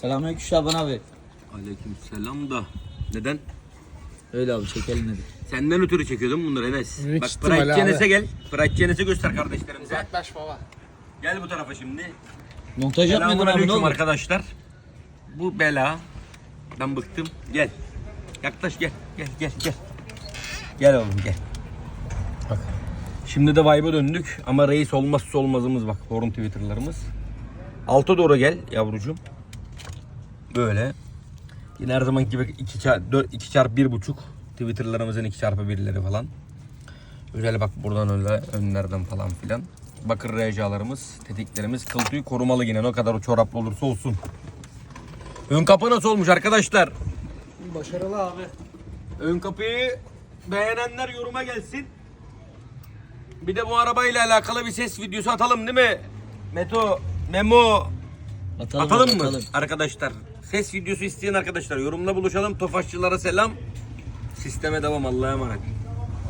Selamünaleyküm Şaban abi. Aleykümselam da. Neden? Öyle abi çekelim dedik. Senden ötürü çekiyordum bunları Enes. Büyük Bak ihtimal Pride abi. Genes'e gel. Pride Genes'e göster kardeşlerimize. Yaklaş baba. Gel bu tarafa şimdi. Montaj yapmadın abi ne Selamünaleyküm oldu? arkadaşlar. Bu bela. Ben bıktım. Gel. Yaklaş gel. Gel. Gel oğlum gel. Bak. Şimdi de vibe'a döndük ama reis olmazsa olmazımız bak. Horun Twitter'larımız. Alta doğru gel yavrucuğum. Böyle. Yine her zamanki gibi 2 çarpı 1.5 Twitter'larımızın 2 çarpı 1'leri falan. Öyle bak buradan öyle önlerden falan filan. Bakır recalarımız, tetiklerimiz kıl tüyü korumalı yine ne kadar o çoraplı olursa olsun. Ön kapı nasıl olmuş arkadaşlar? Başarılı abi. Ön kapıyı beğenenler yoruma gelsin. Bir de bu arabayla alakalı bir ses videosu atalım değil mi? Memo atalım mı arkadaşlar? Ses videosu isteyen arkadaşlar yorumla buluşalım. Tofaşçılara selam. Sisteme devam, Allah'a emanet.